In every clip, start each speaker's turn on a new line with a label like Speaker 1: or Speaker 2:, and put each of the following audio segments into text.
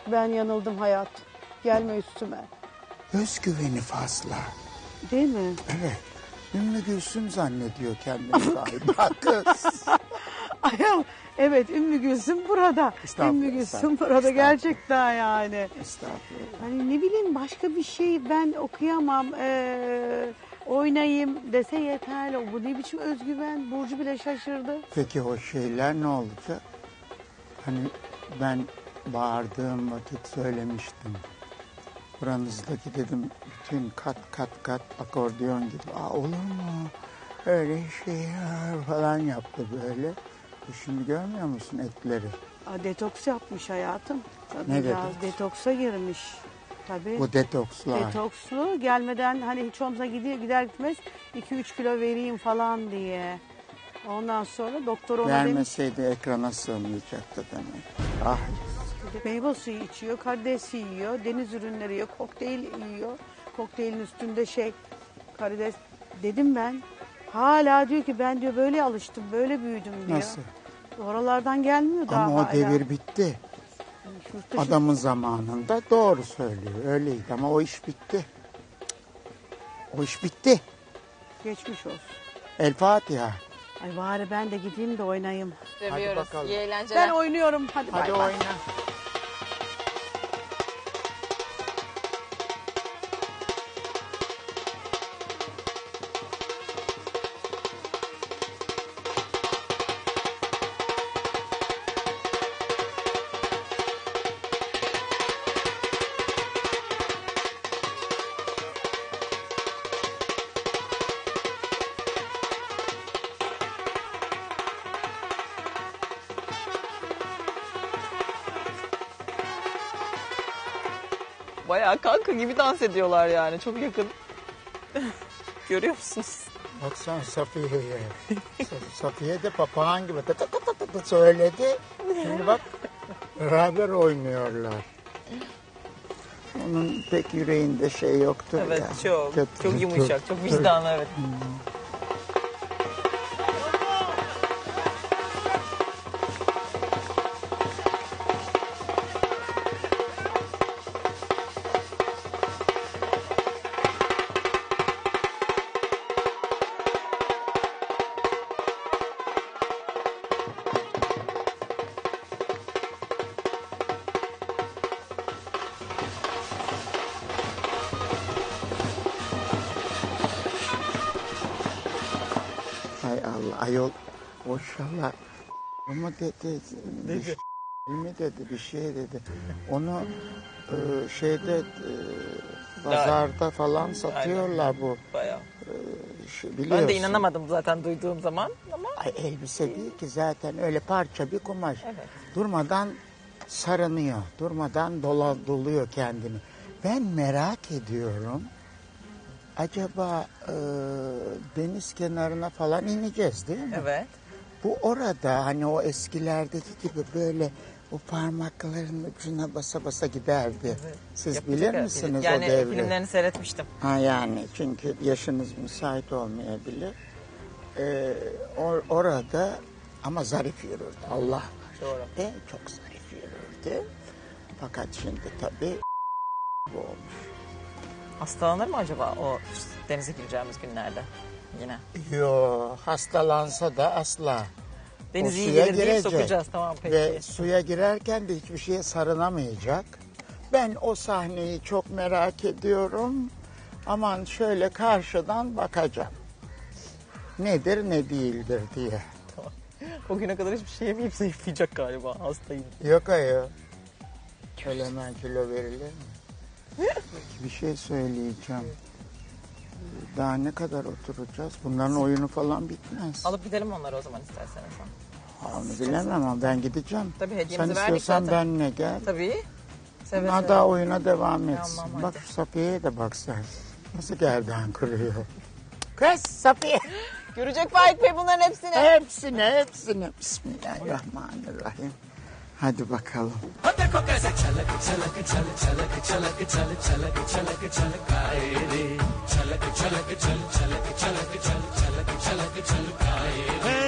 Speaker 1: Ben yanıldım hayat. Gelme üstüme.
Speaker 2: Özgüveni fazla.
Speaker 1: Değil mi?
Speaker 2: Evet. Ümmü Gülsüm zannediyor kendini galiba kız.
Speaker 1: Ayol, evet Ümmü Gülsüm burada. Ümmü Gülsüm burada gerçekten yani.
Speaker 2: Estağfurullah.
Speaker 1: Hani ne bileyim başka bir şey ben okuyamam. Oynayayım dese yeterli. Bu ne biçim özgüven? Burcu bile şaşırdı.
Speaker 2: Peki o şeyler ne olacak? Hani ben bağırdığım vakit söylemiştim. Buranızdaki dedim bütün kat akordeon gibi. Olur mu? Öyle şey ya falan yaptı böyle. Şimdi görmüyor musun etleri?
Speaker 1: Detoks yapmış hayatım.
Speaker 2: Ne
Speaker 1: Biraz
Speaker 2: detoks?
Speaker 1: detoksa girmiş. Tabii.
Speaker 2: Bu detokslar.
Speaker 1: Detokslu gelmeden hani hiç olmasa gider gitmez 2-3 kilo vereyim falan diye. Ondan sonra doktor ona demiş.
Speaker 2: Vermeseydi ekrana sığmayacaktı demek. Ah.
Speaker 1: Meyve suyu içiyor, karides yiyor, deniz ürünleri yiyor, kokteyl yiyor. Kokteylin üstünde karides. Dedim ben. Hala diyor ki ben diyor böyle alıştım, böyle büyüdüm diyor.
Speaker 2: Nasıl?
Speaker 1: Oralardan gelmiyor daha
Speaker 2: Ama o
Speaker 1: hala.
Speaker 2: devir bitti.
Speaker 1: Yurt dışı-
Speaker 2: Adamın zamanında doğru söylüyor. Öyleydi ama o iş bitti. O iş bitti.
Speaker 1: Geçmiş olsun.
Speaker 2: El Fatiha.
Speaker 1: Ay bari ben de gideyim de oynayayım.
Speaker 3: Seviyoruz.
Speaker 2: bakalım.
Speaker 3: İyi eğlenceler.
Speaker 1: Ben oynuyorum. Hadi,
Speaker 2: Hadi
Speaker 1: bay bay.
Speaker 2: oyna.
Speaker 3: Bayağı kanka gibi dans ediyorlar yani. Çok yakın. Görüyor musunuz?
Speaker 2: Baksana Safiye'ye. Safiye de papağan gibi tı tı tı tı tı söyledi. Şimdi bak beraber oynuyorlar. Onun pek yüreğinde şey yoktur
Speaker 3: Evet
Speaker 2: ya.
Speaker 3: çok.
Speaker 2: Kötü-
Speaker 3: Çok yumuşak. Çok vicdanlı evet.
Speaker 2: Hay Allah ayol maşallah. Ama dedi mi dedi bir şey dedi. Onu şeyde pazarda falan satıyorlar bu.
Speaker 3: Bayağı.
Speaker 2: Biliyorsun.
Speaker 3: Ben de inanamadım zaten duyduğum zaman ama
Speaker 2: Ay, elbise değil ki zaten öyle parça bir kumaş.
Speaker 3: Evet.
Speaker 2: Durmadan sarınıyor. Durmadan doluyor kendini. Ben merak ediyorum. Acaba deniz kenarına falan ineceğiz değil mi?
Speaker 3: evet.
Speaker 2: Bu orada hani o eskilerdeki gibi böyle o parmaklarının ucuna basa basa giderdi. Siz
Speaker 3: Yapacak
Speaker 2: bilir
Speaker 3: herhalde.
Speaker 2: misiniz
Speaker 3: yani
Speaker 2: o devri?
Speaker 3: filmlerini seyretmiştim.
Speaker 2: Ha yani çünkü yaşınız müsait olmayabilir. Orada ama zarif yürürdü. Allah var.
Speaker 3: Doğru.
Speaker 2: Çok zarif yürürdü. Fakat şimdi tabii bu olmuş.
Speaker 3: Hastalanır mı acaba o denize gireceğimiz günlerde yine?
Speaker 2: Yo hastalansa da asla.
Speaker 3: Deniz
Speaker 2: O
Speaker 3: iyi
Speaker 2: suya
Speaker 3: gelir deyip
Speaker 2: girecek.
Speaker 3: sokacağız tamam peki.
Speaker 2: Ve suya girerken de hiçbir şeye sarınamayacak. Ben o sahneyi çok merak ediyorum. Aman şöyle karşıdan bakacağım. Nedir ne değildir diye.
Speaker 3: O güne kadar hiçbir şey yemeyip zayıflayacak galiba hastayım.
Speaker 2: Yok ayol. Öyle hemen kilo verilir mi? Bir şey söyleyeceğim. Daha ne kadar oturacağız? Bunların oyunu falan bitmez.
Speaker 3: Alıp gidelim onları o zaman isterseniz.
Speaker 2: Onu bilemem ama ben gideceğim.
Speaker 3: Tabii hediyemizi
Speaker 2: Sen
Speaker 3: verdik
Speaker 2: istiyorsan
Speaker 3: zaten.
Speaker 2: benimle gel.
Speaker 3: Tabii. Seve
Speaker 2: Ha
Speaker 3: seve.
Speaker 2: daha oyuna devam etsin.
Speaker 3: Tamam,
Speaker 2: Bak
Speaker 3: hadi.
Speaker 2: şu Safiye'ye de bak sen. Nasıl gerdan kırıyor. Kız Safiye.
Speaker 3: Görecek Faik Bey bunların hepsini.
Speaker 2: Hepsini. Bismillahirrahmanirrahim. Hadi bakalım.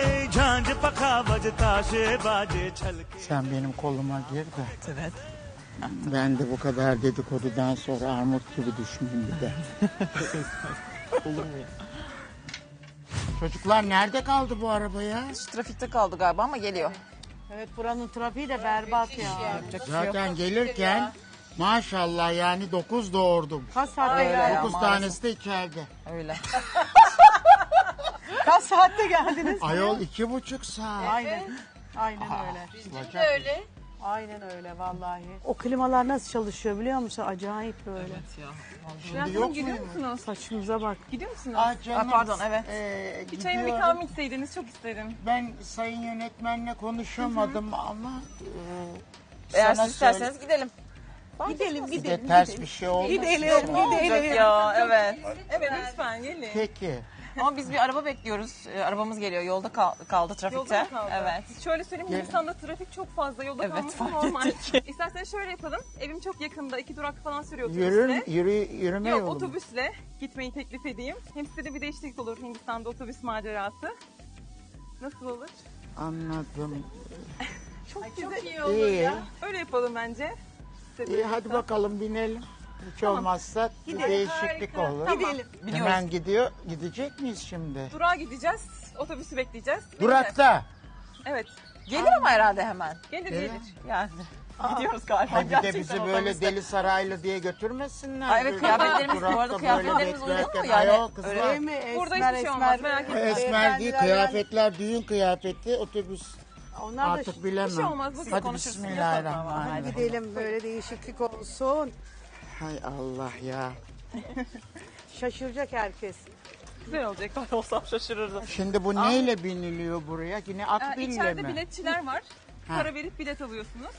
Speaker 2: Sen benim koluma gir de
Speaker 3: Evet.
Speaker 2: Ben de bu kadar dedikodudan sonra armut gibi düşmeyeyim bir de.
Speaker 3: Olur mu ya?
Speaker 2: Çocuklar nerede kaldı bu araba ya?
Speaker 3: Şu trafikte kaldı galiba ama geliyor.
Speaker 1: Evet buranın trafiği de berbat ya.
Speaker 3: Yapacak bir şey yok.
Speaker 2: Zaten gelirken maşallah yani 9 doğurdum.
Speaker 1: Kaç saatte
Speaker 3: Öyle
Speaker 1: geldiniz?
Speaker 3: ya.
Speaker 2: 9
Speaker 3: maalesef.
Speaker 2: tanesi de içeride.
Speaker 3: Öyle.
Speaker 1: Kaç saatte geldiniz?
Speaker 2: Ayol 2,5 saat.
Speaker 1: Aynen. Aynen öyle.
Speaker 2: Öyle.
Speaker 1: Aynen öyle vallahi. O klimalar nasıl çalışıyor biliyor musun? Acayip böyle.
Speaker 3: Evet ya.
Speaker 2: Şimdi yok
Speaker 4: Gidiyor
Speaker 2: mu?
Speaker 4: musunuz?
Speaker 1: Saçımıza bak.
Speaker 4: Gidiyor musunuz?
Speaker 2: Ah canım.
Speaker 3: pardon, evet.
Speaker 4: Bir çayımı bir kahve içseydiniz çok isterim.
Speaker 2: Ben sayın yönetmenle konuşamadım ama
Speaker 3: Eğer
Speaker 2: sana
Speaker 3: siz isterseniz gidelim.
Speaker 1: Gidelim
Speaker 2: bir de ters bir şey oldu.
Speaker 1: Gidelim
Speaker 3: Olacak ya, evet.
Speaker 4: Evet lütfen gelin.
Speaker 2: Peki.
Speaker 3: Ama biz bir araba bekliyoruz. Arabamız geliyor. Yolda kaldı trafikte.
Speaker 4: Yolda mı kaldı?
Speaker 3: Evet.
Speaker 4: Şöyle söyleyeyim Hindistan'da trafik çok fazla yolda
Speaker 3: Evet,
Speaker 4: kalması
Speaker 3: fark
Speaker 4: normal.
Speaker 3: ettik.
Speaker 4: İsterseniz şöyle yapalım. Evim çok yakında 2 durak falan sürüyor
Speaker 2: Yürür,
Speaker 4: otobüsle.
Speaker 2: yürüme
Speaker 4: Yok
Speaker 2: yolu mu?
Speaker 4: otobüsle gitmeyi teklif edeyim. Hem size de bir değişiklik olur Hindistan'da otobüs macerası. Nasıl olur?
Speaker 2: Anladım.
Speaker 4: Çok
Speaker 2: İyi.
Speaker 4: Öyle yapalım bence. Size
Speaker 2: İyi
Speaker 4: de-
Speaker 2: hadi bakalım binelim. Hiç olmazsa bir değişiklik olur.
Speaker 4: Gidelim.
Speaker 2: Hemen gidecek miyiz şimdi?
Speaker 4: Durağa gideceğiz. Otobüsü bekleyeceğiz.
Speaker 2: Durakta.
Speaker 4: Evet.
Speaker 3: Gelir ama herhalde hemen.
Speaker 4: Gelir
Speaker 2: Gelir.
Speaker 4: gelir.
Speaker 3: Yani. Gidiyoruz galiba.
Speaker 2: Ay bir de
Speaker 3: Gerçekten
Speaker 2: bizi böyle
Speaker 3: otobüste.
Speaker 2: Deli Saraylı diye götürmesinler.
Speaker 3: Ay evet,
Speaker 2: Böyle
Speaker 3: kıyafetlerimiz bu
Speaker 2: durakta
Speaker 3: arada
Speaker 2: böyle
Speaker 3: kıyafetlerimiz uyuyor mu?
Speaker 2: beklerken,
Speaker 3: Yani
Speaker 2: ayol kızlar.
Speaker 3: öyle-
Speaker 1: Değil mi?
Speaker 4: Burada
Speaker 1: Esmer,
Speaker 4: hiçbir şey
Speaker 1: esmer.
Speaker 4: olmaz, merak etmeyin.
Speaker 2: Esmer değil
Speaker 1: Beyefendiler
Speaker 2: kıyafetler düğün kıyafeti otobüs
Speaker 1: Onlar da
Speaker 2: artık bilemem.
Speaker 4: Bir şey olmaz, bugün
Speaker 2: Hadi
Speaker 4: konuşuruz.
Speaker 2: bismillahirrahmanirrahim.
Speaker 1: gidelim böyle değişiklik olsun.
Speaker 2: Hay Allah ya.
Speaker 1: Şaşıracak herkes.
Speaker 4: Güzel olacak.
Speaker 3: Ben olsam şaşırırdım.
Speaker 2: Şimdi bu neyle biniliyor buraya? Yine akbille
Speaker 4: İçeride
Speaker 2: mi?
Speaker 4: biletçiler var.
Speaker 2: Ha.
Speaker 4: Para verip bilet alıyorsunuz.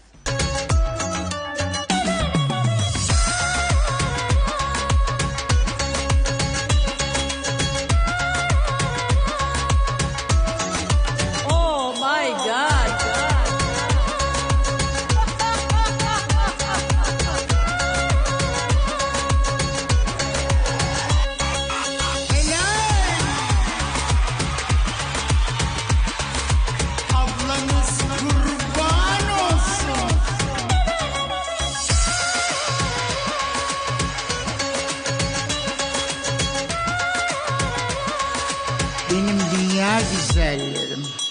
Speaker 3: Oh my god.
Speaker 2: Ablanız kurban olsun. Benim dünya güzellerim.